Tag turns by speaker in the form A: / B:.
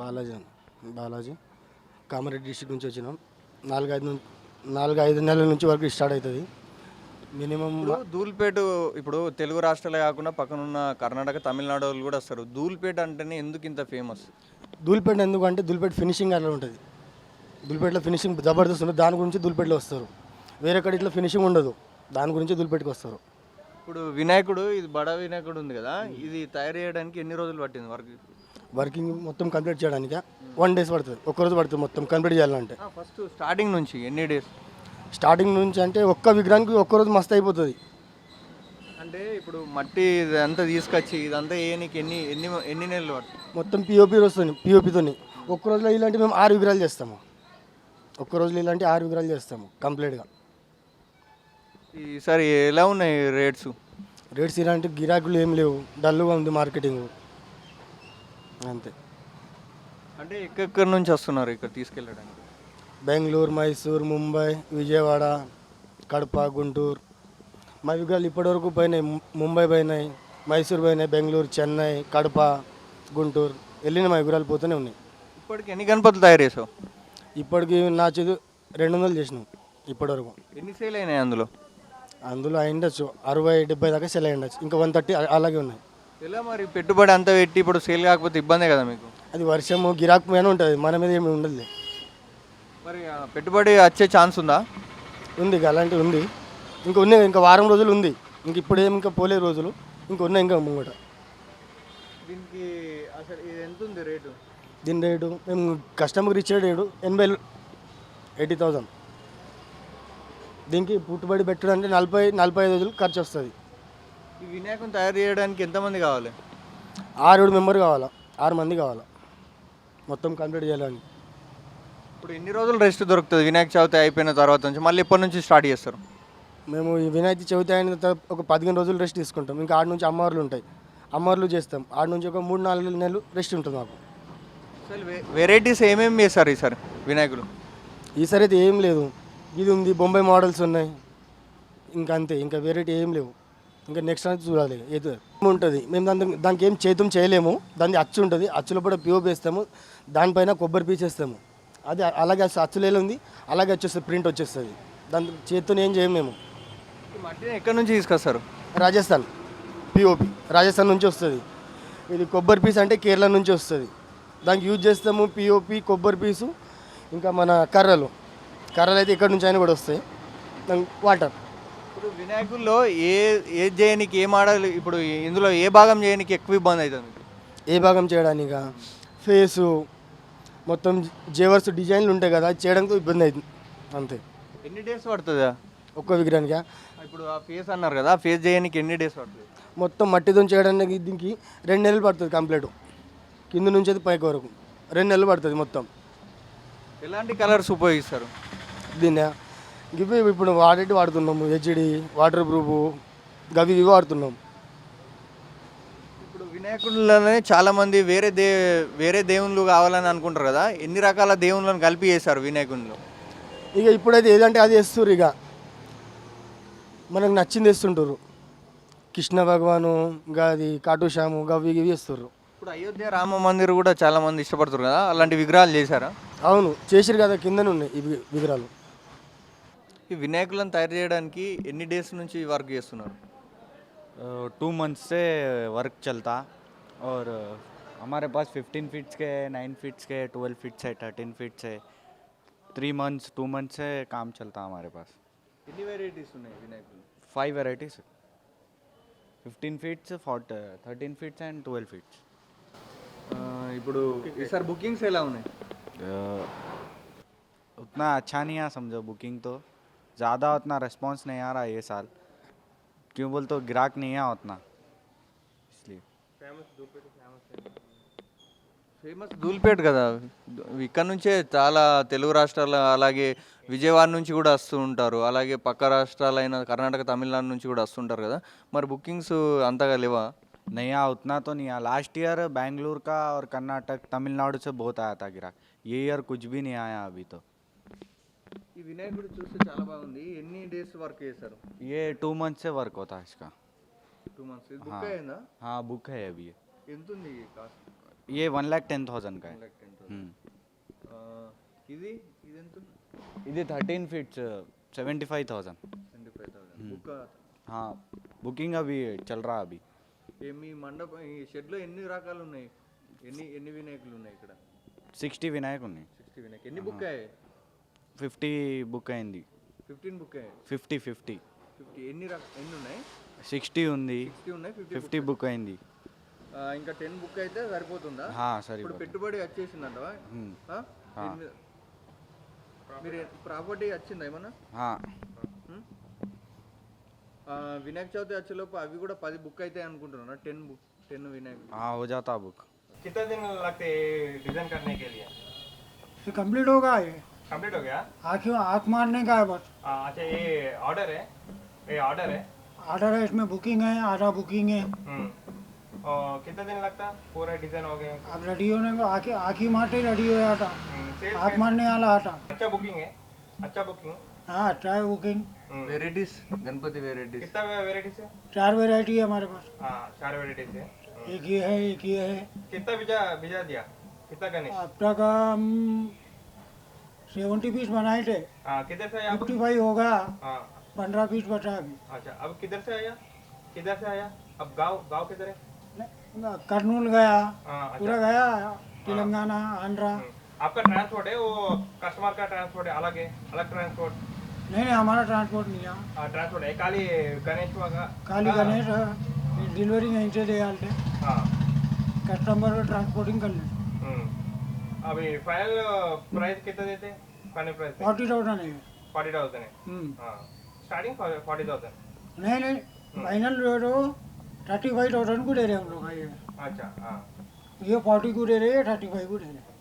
A: Balaji Balaji Kamareddy district నుంచి వచ్చినాం. 4-5 నెలల నుంచి వరకు స్టార్ట్ అవుతుంది. మినిమం
B: ఇప్పుడు ధూల్పేట, ఇప్పుడు తెలుగు రాష్ట్రాలే కాకుండా పక్కనున్న కర్ణాటక, తమిళనాడు వాళ్ళు కూడా వస్తారు. ధూల్పేట అంటేనే ఎందుకు ఇంత ఫేమస్?
A: ధూల్పేట ఎందుకంటే ధూల్పేట ఫినిషింగ్ అలా ఉంటుంది. ధూల్పేటలో ఫినిషింగ్ జబర్దస్త్ ఉంటుంది. దాని గురించి ధూల్పేటలో వస్తారు. వేరే కడ ఇట్లా ఫినిషింగ్ ఉండదు. దాని గురించి ధూల్పేటకి వస్తారు.
B: ఇప్పుడు వినాయకుడు, ఇది బడా వినాయకుడు ఉంది కదా, ఇది తయారు చేయడానికి ఎన్ని రోజులు పట్టింది
A: వర్కింగ్ మొత్తం కంప్లీట్ చేయడానికి 1 days పడుతుంది. ఒక్కరోజు పడుతుంది మొత్తం కంప్లీట్ చేయాలంటే.
B: ఫస్ట్ స్టార్టింగ్ నుంచి ఎన్ని డేస్?
A: స్టార్టింగ్ నుంచి అంటే ఒక్క విగ్రహానికి ఒక్కరోజు మస్తు అయిపోతుంది.
B: అంటే ఇప్పుడు మట్టి ఇదంతా తీసుకొచ్చి ఇదంతా వేయడానికి ఎన్ని ఎన్ని ఎన్ని నెలలు పడుతుంది?
A: మొత్తం పిఓపి వస్తుంది. పిఓపితో ఒక్క రోజులో ఇలాంటి మేము 6 విగ్రహాలు చేస్తాము. ఒక్క రోజులో ఇలాంటి 6 విగ్రహాలు చేస్తాము కంప్లీట్గా.
B: ఈసారి ఎలా ఉన్నాయి రేట్స్?
A: రేట్స్ ఇలాంటి గిరాకులు ఏం లేవు. డల్గా ఉంది మార్కెటింగ్ అంతే.
B: అంటే ఎక్కడెక్కడి నుంచి వస్తున్నారు ఇక్కడ తీసుకెళ్ళడానికి?
A: బెంగళూరు, మైసూర్, ముంబై, విజయవాడ, కడప, గుంటూరు. మా విగ్రహాలు ఇప్పటివరకు పోయినాయి. ముంబై పోయినాయి, మైసూర్ పోయినాయి, బెంగళూరు, చెన్నై, కడప, గుంటూరు వెళ్ళిన మా విగ్రహాలు పోతూనే ఉన్నాయి.
B: ఇప్పటికి ఎన్ని గణపతులు తయారు చేసావు?
A: ఇప్పటికి నా చదువు 200 చేసినాం ఇప్పటివరకు.
B: ఎన్ని సేల్ అయినాయి అందులో?
A: అందులో అయిండొచ్చు 60-70 దాకా సెల్ అయ్యిండొచ్చు. ఇంకా 130 అలాగే ఉన్నాయి.
B: ఎలా మరి పెట్టుబడి అంతా పెట్టి ఇప్పుడు సేల్ కాకపోతే ఇబ్బందే కదా మీకు?
A: అది వర్షము గిరాకు మీద ఉంటుంది, మన మీద ఏమి ఉండదు.
B: మరి పెట్టుబడి వచ్చే ఛాన్స్ ఉందా?
A: ఉంది, అలాంటివి ఉంది. ఇంకా ఉన్నాయి, ఇంకా వారం రోజులు ఉంది. ఇంక ఇప్పుడేం ఇంకా పోలే రోజులు ఇంకా ఉన్నాయి. ఇంకా ముంగట
B: దీనికి అసలు ఇది ఎంత ఉంది రేటు?
A: దీని రేటు మేము కస్టమర్కి ఇచ్చే రేటు 80,000. దీనికి పుట్టుబడి పెట్టడానికి 40-45 రోజులు ఖర్చు వస్తుంది.
B: ఈ వినాయకుని తయారు చేయడానికి ఎంతమంది కావాలి?
A: 6-7 మెంబర్ కావాలా, 6 మంది కావాలా మొత్తం కంప్లీట్ చేయాలని.
B: ఇప్పుడు ఎన్ని రోజులు రెస్ట్ దొరుకుతుంది వినాయక చవితి అయిపోయిన తర్వాత నుంచి? మళ్ళీ ఎప్పటి నుంచి స్టార్ట్ చేస్తారు?
A: మేము ఈ వినాయక చవితి అయిన తర్వాత ఒక 15 రోజులు రెస్ట్ తీసుకుంటాం. ఇంకా ఆడ నుంచి అమ్మవార్లు ఉంటాయి, అమ్మవార్లు చేస్తాం. ఆడ నుంచి ఒక 3-4 నెలలు రెస్ట్ ఉంటుంది మాకు.
B: అసలు వెరైటీస్ ఏమేమి చేస్తారు ఈసారి వినాయకులు?
A: ఈసారి అయితే ఏం లేదు. ఇది ఉంది, బొంబాయి మోడల్స్ ఉన్నాయి, ఇంకా అంతే. ఇంకా వెరైటీ ఏం లేవు. ఇంకా నెక్స్ట్ అనేది చూడాలి. ఏదో ఉంటుంది. మేము దానికి ఏం చేతం చేయలేము. దాన్ని అచ్చు ఉంటుంది, అచ్చులో కూడా పిఓపి వేస్తాము. దానిపైన కొబ్బరి పీస్ వేస్తాము. అది అలాగే అచ్చులేలో ఉంది, అలాగే వచ్చేస్తుంది, ప్రింట్ వచ్చేస్తుంది. దాని చేతితో ఏం చేయము మేము.
B: మట్టిని ఎక్కడి నుంచి తీసుకొస్తారు?
A: రాజస్థాన్ పిఓపి రాజస్థాన్ నుంచి వస్తుంది. ఇది కొబ్బరి పీస్ అంటే కేరళ నుంచి వస్తుంది. దానికి యూజ్ చేస్తాము పిఓపి, కొబ్బరి పీసు, ఇంకా మన కర్రలు అయితే ఇక్కడ నుంచి అయినా కూడా వస్తాయి. వాటర్.
B: ఇప్పుడు వినాయకుల్లో ఏ చేయడానికి ఏ మోడల్, ఇప్పుడు ఇందులో ఏ భాగం చేయడానికి ఎక్కువ ఇబ్బంది అవుతుంది?
A: ఏ భాగం చేయడానిక ఫేసు మొత్తం జేవర్స్ డిజైన్లు ఉంటాయి కదా, అది చేయడానికి ఇబ్బంది అవుతుంది అంతే.
B: ఎన్ని డేస్ పడుతుందా
A: ఒక్క విగ్రహానికి?
B: ఇప్పుడు ఆ ఫేస్ అన్నారు కదా, ఆ ఫేస్ చేయడానికి ఎన్ని డేస్ పడుతుంది?
A: మొత్తం మట్టితో చేయడానికి దీనికి 2 నెలలు పడుతుంది కంప్లీట్. కింద నుంచి అయితే పైకి వరకు 2 నెలలు పడుతుంది మొత్తం.
B: ఎలాంటి కలర్స్ ఉపయోగిస్తారు
A: దీన్ని? ఇవి ఇప్పుడు వాడుతున్నాము. హెచ్డి, వాటర్ ప్రూఫ్, ఇవి వాడుతున్నాం.
B: ఇప్పుడు వినాయకుడిలోనే చాలామంది వేరే దేవుళ్ళు కావాలని అనుకుంటారు కదా, ఎన్ని రకాల దేవుళ్ళని కలిపి చేశారు వినాయకుడిలో?
A: ఇక ఇప్పుడైతే ఏదంటే అది వేస్తారు. ఇక మనకు నచ్చింది వేస్తుంటారు. కృష్ణ భగవాను, ఇంకా అది కాటుశ్యాము, ఇవి వేస్తారు.
B: ఇప్పుడు అయోధ్య రామ మందిర్ కూడా చాలామంది ఇష్టపడుతారు కదా, అలాంటి విగ్రహాలు చేశారా?
A: అవును, చేసిరు కదా, కిందనే ఉన్నాయి ఇవి విగ్రహాలు.
B: ఈ వినాయకులను తయారు చేయడానికి ఎన్ని డేస్ నుంచి వర్క్ చేస్తున్నారు?
C: 2 months से वर्क चलता और हमारे पास 15 फीट्स के, 9 फीट्स के, 12 फीट्स है, 13 फीट्स है. 2 months से काम चलता हमारे पास.
B: ఎన్ని వెరైటీస్ ఉన్నాయి వినాయకులు?
C: 5 varieties, 15 feet, 13 feet and 12 feet.
B: ఇప్పుడు ఈసారి బుకింగ్స్ ఎలా ఉన్నాయి?
C: उतना अच्छा नहीं है समझो, बुकिंग तो ज़्यादा उतना रिस्पॉन्स नहीं आ रहा है ये साल. क्यों बोल तो ग्राहक नहीं है उतना, इसलिए.
B: ఫేమస్ ధూల్పేట కదా, ఇక్కడ నుంచే చాలా తెలుగు రాష్ట్రాలు అలాగే విజయవాడ నుంచి కూడా వస్తూ ఉంటారు, అలాగే పక్క రాష్ట్రాలైన కర్ణాటక, తమిళనాడు నుంచి కూడా వస్తుంటారు కదా, మరి బుకింగ్స్ అంతగా లేవా?
C: नहीं आया उतना तो नहीं आया. लास्ट ईयर बेंगलुरु का और कर्नाटक, तमिलनाडु से बहुत आया था ग्राहक. ये ईयर कुछ भी नहीं आया अभी तो.
B: ఈ వినాయకుడు చూస్తే చాలా బాగుంది. ఎన్ని డేస్ వర్క్ చేశారు?
C: ये 2 months से वर्क होता है इसका.
B: 2 months. బుక్ అయిందా?
C: हाँ बुक है अभी.
B: ఎంత ఉంది కాస్ట్?
C: ये 1,10,000 का है.
B: ఇది ఇది ఎంత
C: ఇది 13 ఫీట్స్ 75,000.
B: 25,000 బుక్
C: हाँ बुकिंग अभी चल रहा अभी.
B: మీ మండపం ఈ షెడ్లో ఎన్ని రకాలు ఉన్నాయి, ఎన్ని వినాయకులు ఉన్నాయి ఇక్కడ?
C: 60 వినాయక్ ఉన్నాయి.
B: 60 వినాయక్. ఎన్ని బుక్ అయ్యాయి?
C: 50 బుక్ అయింది.
B: 15 బుక్ అయ్యాయి.
C: 50
B: 50 ఎన్ని ఉన్నాయి?
C: 60 ఉంది.
B: 60 ఉన్నాయి.
C: 50 బుక్ అయింది.
B: ఇంకా 10 బుక్ అయితే సరిపోతుందా?
C: సరే.
B: ఇప్పుడు పెట్టుబడి వచ్చేసిందంటవా? మీరు ప్రాపర్టీ వచ్చిందా ఏమన్నా? వినాయక చవితి వచ్చేలోపు అవి కూడా 10 బుక్ అయితే అనుకుంటున్నా. 10 विनायक
C: हो जाता बुक.
B: कितना दिन लगते डिजाइन करने के लिए?
D: ये कंप्लीट होगा, ये
B: कंप्लीट हो गया?
D: आँख मारने का है बस.
B: अच्छा ये ऑर्डर है,
D: आर्डर है, इसमें बुकिंग है, आधा बुकिंग है.
B: और कितना दिन लगता पूरा डिजाइन हो गया?
D: अब रेडी होने को आँख ही मारते रेडी हो जाता. आँख मारने वाला आता.
B: अच्छा बुकिंग है, अच्छा बुकिंग.
D: हाँ अच्छा है बुकिंग.
B: वेराइटीज गणपति वेराइटीज कितना वेराइटीज है?
D: 4 वेराइटी है हमारे पास.
B: 4 वेराइटीज है.
D: एक ये है, एक ये है.
B: कितना भिजा दिया? कितना गणेश?
D: अब तक हम 70 पीस बनाए थे.
B: किधर से आया?
D: 55 होगा. 15 पीस बचा अभी.
B: अच्छा अब किधर से आया? अब गांव किधर है?
D: कर्नूल गया,
B: अच्छा.
D: पूरा गया, तेलंगाना, आंध्रा.
B: आपका ट्रांसपोर्ट है, वो कस्टमर का ट्रांसपोर्ट है, अलग ट्रांसपोर्ट?
D: नहीं हमारा ट्रांसपोर्ट नहीं है.
B: ट्रांसपोर्ट है खाली गणेश वगैरह?
D: खाली गणेश डिलीवरी यहीं से दे डालते.
B: हाँ.
D: कस्टमर को ट्रांसपोर्टिंग कर लेते.
B: अभी फाइनल प्राइस कितना देते? फाइनल प्राइस
D: 40,000 है.
B: 40,000 है. हाँ स्टार्टिंग 40,000.
D: नहीं फाइनल रेट हो 35,000 को दे रहे हैं हम लोग. ये
B: अच्छा. हाँ
D: ये 40 को दे रहे हैं, 35 को दे रहे हैं.